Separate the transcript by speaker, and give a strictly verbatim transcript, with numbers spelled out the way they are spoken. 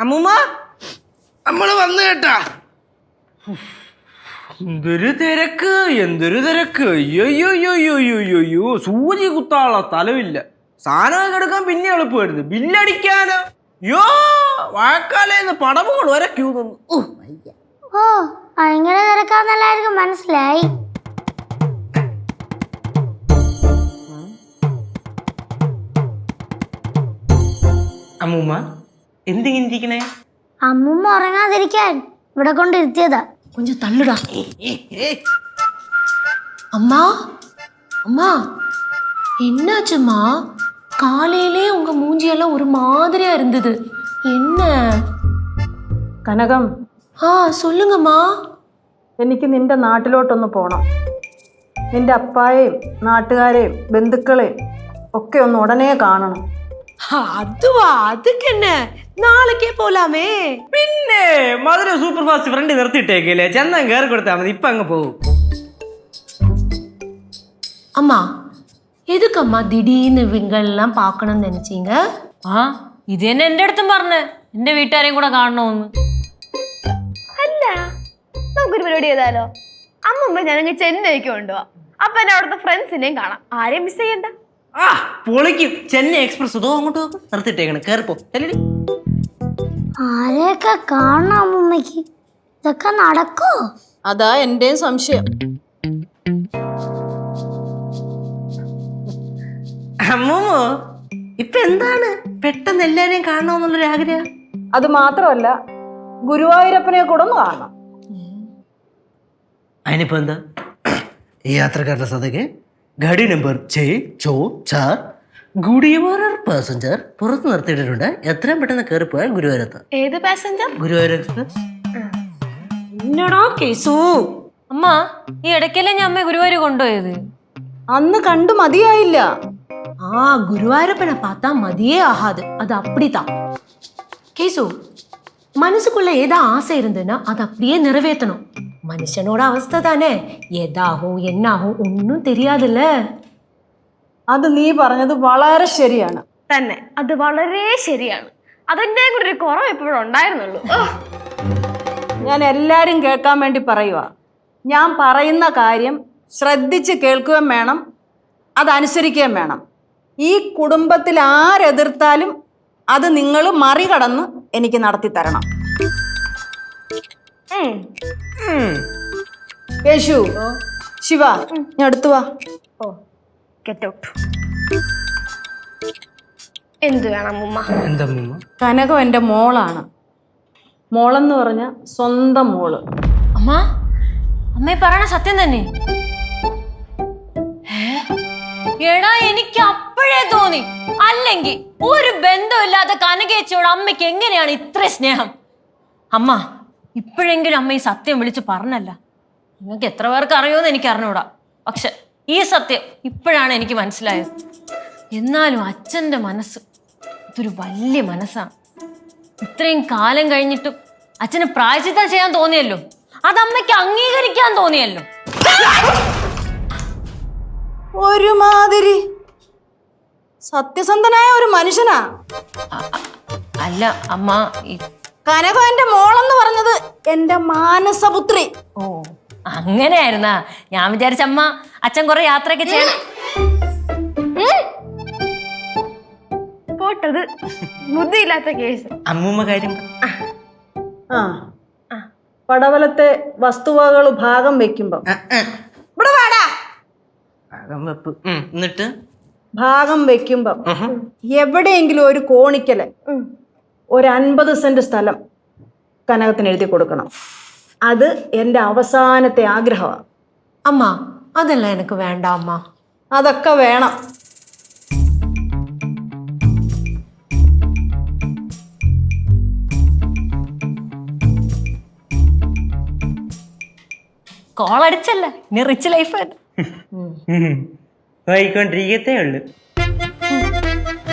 Speaker 1: അമ്മൂമ്മ നമ്മള് വന്നു കേട്ടാ. എന്തൊരു തിരക്ക്, എന്തൊരു തിരക്ക്. അയ്യോയ്യോയ്യോയ്യോയ്യോ, സൂചി കുത്താനുള്ള സ്ഥലമില്ല. സാധനം എടുക്കാൻ പിന്നെ എളുപ്പമായിരുന്നു, ബില്ലടിക്കാനോ യോ വാഴക്കാലേന്ന് പടവുകൾ വരെ ക്യൂ നിന്നു.
Speaker 2: ഓ അങ്ങനെ തിരക്കാന്നെല്ലാവർക്കും മനസ്സിലായി.
Speaker 1: അമ്മൂമ്മ എന്തിങ്ങനെ ഇരിക്കണേ?
Speaker 2: അമ്മൂമ്മ ഉറങ്ങാതിരിക്കാൻ ഇവിടെ കൊണ്ടിരുത്തിയതാ.
Speaker 3: கொஞ்சம் தள்ளுடா. அம்மா அம்மா என்னாச்சும்மா? காலையிலே உங்க மூஞ்சியெல்லாம் ஒரு மாதிரியா இருந்தது, என்ன?
Speaker 4: കനകം,
Speaker 3: ஆ சொல்லுங்கம்மா.
Speaker 4: എനിക്ക് നിന്റെ നാട്ടിലോട്ടൊന്ന് പോകണം. നിന്റെ അപ്പായെയും നാട്ടുകാരെയും ബന്ധുക്കളെയും ഒക്കെ ഒന്ന് ഉടനെ കാണണം.
Speaker 3: அதுவா? அதுக்கு என்ன, നാളേക്കേ പോലാമേ.
Speaker 1: പിന്നെ മധുര സൂപ്പർ ഫാസ്റ്റ് ഫ്രണ്ട് നിർത്തിയിട്ടേക്കല്ലേ, ചെന്നാൽ കയറി കൊടുത്താൽ മതി, ഇപ്പൊ അങ്ങ് പോകും.
Speaker 3: அம்மா எதுக்கம்மா திடீர்னு இவங்கெல்லாம் பார்க்கணும்னு நினைச்சீங்க?
Speaker 5: ആ ഇത് തന്നെ എന്റെ അടുത്തും പറഞ്ഞ് എന്റെ വീട്ടുകാരെയും കൂടെ കാണണമെന്ന്.
Speaker 6: അല്ല നമുക്കൊരു പരിപാടി ചെയ്താലോ? അമ്മമ്മ ഞാനങ്ങ് ചെന്നൈക്ക് കൊണ്ടുപോവാം. അപ്പൊ എന്നെ അവിടുത്തെ ഫ്രണ്ട്സിനെയും കാണാം, ആരെയും മിസ് ചെയ്യണ്ട.
Speaker 1: ആ പൊളിക്കും. ചെന്നൈ എക്സ്പ്രസ് അതോ അങ്ങോട്ട് നോക്കും, നിർത്തിയിട്ടേക്കണം, കയറിപ്പോ.
Speaker 2: ആരെയൊക്കെ കാണണം അമ്മൂമ്മക്ക്? ഇതൊക്കെ നടക്കോ?
Speaker 4: അതാ എന്റെയും സംശയം.
Speaker 1: അമ്മൂമ്മ ഇപ്പൊ എന്താണ് പെട്ടെന്ന് എല്ലാരെയും കാണണമെന്നുള്ളൊരു ആഗ്രഹം?
Speaker 4: അത് മാത്രമല്ല, ഗുരുവായൂരപ്പനെ കൂടെ ഒന്ന് കാണണം.
Speaker 1: അതിനിപ്പോ എന്താ? ഈ യാത്രക്കാരുടെ സദക്ക് ഗാഡി നമ്പർ ചേ ചോ ചാർ ഗുഡിയവാർ പാസഞ്ചർ പുറത്ത് നിർത്തിയിട്ടുണ്ട്. എത്രയും പെട്ടെന്ന് കയറിപ്പോയാൽ ഗുരുവായൂരത്ത്.
Speaker 6: ഏത് പാസഞ്ചർ?
Speaker 1: ഗുരുവായൂർ എക്സ്പ്രസ്.
Speaker 3: என்னடா கேசு?
Speaker 5: അമ്മ ഈ ഇടയ്ക്കല്ലേ ഞാൻ അമ്മ ഗുരുവായൂർ കൊണ്ടുപോയത്?
Speaker 4: അന്ന് കണ്ടു മതിയായില്ല.
Speaker 3: ஆ குருவாயூரப்பனை பார்த்தா மதியே ஆகாது, அது அப்படித்தான். கேசு, மனசுக்குள்ள ஏதா ஆசை இருந்ததுன்னா அது அப்படியே நிறைவேற்றணும். மனுஷனோட அவஸ்தை தானே, ஏதாகும் என்னாகும் ஒன்றும் தெரியாதுல்ல.
Speaker 4: അത് നീ പറഞ്ഞത് വളരെ ശരിയാണ്.
Speaker 6: തന്നെ, അത് വളരെ ശരിയാണ്. അതെന്റെ കൂടെ ഒരു കുറവ് എപ്പോഴും ഉണ്ടായിരുന്നുള്ളൂ.
Speaker 4: ഞാൻ എല്ലാരും കേൾക്കാൻ വേണ്ടി പറയുക. ഞാൻ പറയുന്ന കാര്യം ശ്രദ്ധിച്ച് കേൾക്കുകയും വേണം, അതനുസരിക്കുകയും വേണം. ഈ കുടുംബത്തിൽ ആരെതിർത്താലും അത് നിങ്ങൾ മറികടന്ന് എനിക്ക് നടത്തി തരണം. യേശു, ശിവ, ഞാൻ അടുത്തു വാ.
Speaker 6: Oh get out. എന്ത് വേണം അമ്മൂമ്മ?
Speaker 1: എന്താ അമ്മൂമ്മ?
Speaker 4: കനകം എൻ്റെ മോളാണ്. മോളെന്ന് പറഞ്ഞ സ്വന്തം മോള്.
Speaker 5: അമ്മ അമ്മ പറയണ സത്യം തന്നെ? എടാ എനിക്ക് അപ്പോഴേ തോന്നി, അല്ലെങ്കിൽ ഒരു ബന്ധമില്ലാത്ത കനകേച്ചിയോട് അമ്മയ്ക്ക് എങ്ങനെയാണ് ഇത്ര സ്നേഹം? അമ്മ ഇപ്പോഴെങ്കിലും അമ്മ ഈ സത്യം വിളിച്ച് പറഞ്ഞല്ല. നിങ്ങൾക്ക് എത്ര പേർക്ക് അറിയുമെന്ന് എനിക്ക് അറിഞ്ഞൂടാ, പക്ഷെ ഈ സത്യം ഇപ്പോഴാണ് എനിക്ക് മനസ്സിലായത്. എന്നാലും അച്ഛൻ്റെ മനസ്സ് ഇതൊരു വലിയ മനസ്സാണ്. ഇത്രയും കാലം കഴിഞ്ഞിട്ടും അച്ഛന് പ്രായശ്ചിത്തം ചെയ്യാൻ തോന്നിയല്ലോ, അത് അമ്മയ്ക്ക് അംഗീകരിക്കാൻ തോന്നിയല്ലോ.
Speaker 4: ഒരുമാതിരി സത്യസന്ധനായ ഒരു മനുഷ്യനാ.
Speaker 5: അല്ല അമ്മ,
Speaker 4: കനകം എന്റെ മോളെന്ന് പറഞ്ഞത് എന്റെ മാനസപുത്രി.
Speaker 5: ഓ അങ്ങനെയായിരുന്നാ? ഞാൻ വിചാരിച്ച അമ്മ അച്ഛൻ കുറെ യാത്രയൊക്കെ ചെയ്യണം.
Speaker 6: പോട്ടത് ബുദ്ധിയില്ലാത്ത കേസ്.
Speaker 1: അമ്മൂമ്മ കാര്യം
Speaker 4: ആ പടവലത്തെ വസ്തുവകകൾ ഭാഗം വെക്കുമ്പോ ഇവിടെ വാടാ.
Speaker 1: വെപ്പ് എന്നിട്ട്
Speaker 4: ഭാഗം വെക്കുമ്പം എവിടെയെങ്കിലും ഒരു കോണിക്കല് ഒരു അൻപത് സെന്റ് സ്ഥലം കനകത്തിന് എഴുതി കൊടുക്കണം. അത് എൻ്റെ അവസാനത്തെ ആഗ്രഹമാണ്.
Speaker 3: അമ്മ അതെല്ലാം എനിക്ക് വേണ്ട അമ്മ.
Speaker 4: അതൊക്കെ വേണം.
Speaker 5: കോളടിച്ചല്ല, ഇനി റിച്ച് ലൈഫ്
Speaker 1: വായിക്കൊണ്ടിരിക്കത്തേ ഉള്ളു.